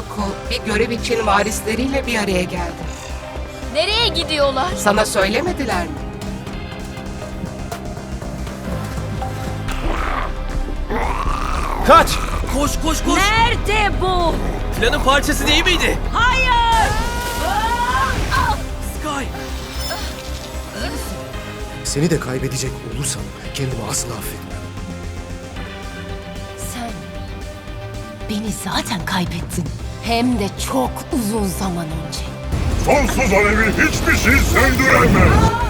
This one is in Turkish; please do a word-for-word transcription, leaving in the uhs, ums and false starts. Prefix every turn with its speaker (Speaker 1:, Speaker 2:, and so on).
Speaker 1: Baku bir görev için varisleriyle bir araya geldi.
Speaker 2: Nereye gidiyorlar?
Speaker 1: Sana söylemediler mi?
Speaker 3: Kaç! Koş koş koş!
Speaker 2: Nerede bu?
Speaker 3: Planın parçası değil miydi?
Speaker 2: Hayır!
Speaker 3: Sky!
Speaker 4: Seni de kaybedecek olursam kendimi asla affetmem.
Speaker 2: Sen beni zaten kaybettin. Hem de çok uzun zaman önce.
Speaker 5: Sonsuz alevi hiçbir şey söndüremez.